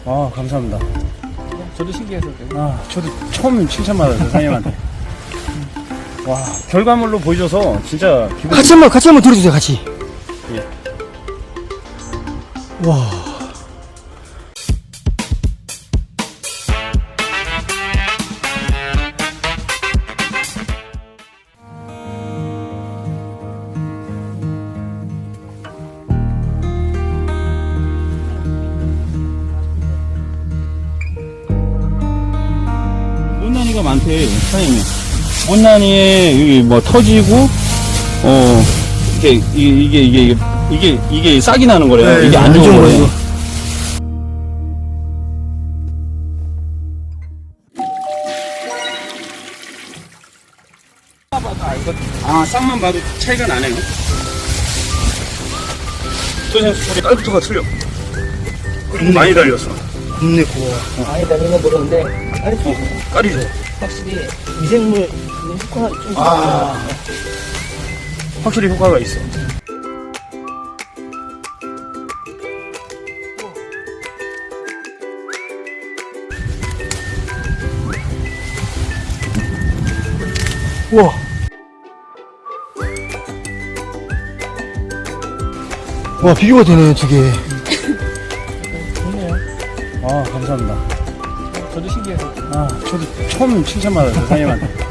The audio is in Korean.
아, 감사합니다. 저도 신기해서. 아, 저도 처음 칭찬받았어요, 사장님한테. 와, 결과물로 보여줘서 진짜 기분. 같이 한번 들어주세요, 같이. 예. 와. 못난이가 많대, 사장님. 못난이에 여기 뭐 터지고, 이게 싹이 나는 거래요. 네, 이게 안 좋은 거예요. 아, 싹만 봐도 차이가 나네요. 선생님 소리 깔부터가 틀려. 많이 달렸어. 겁내 고와. 많이 다니는 건 모르는데, 깔이 좋아. 확실히 미생물 효과가 좀. 아, 확실히 효과가 있어. 우와. 와, 비교가 되네, 두 개. 좋네요. 아, 감사합니다. 저도 신기해서. 아, 저도 처음 칭찬받았어요, 사장님한테.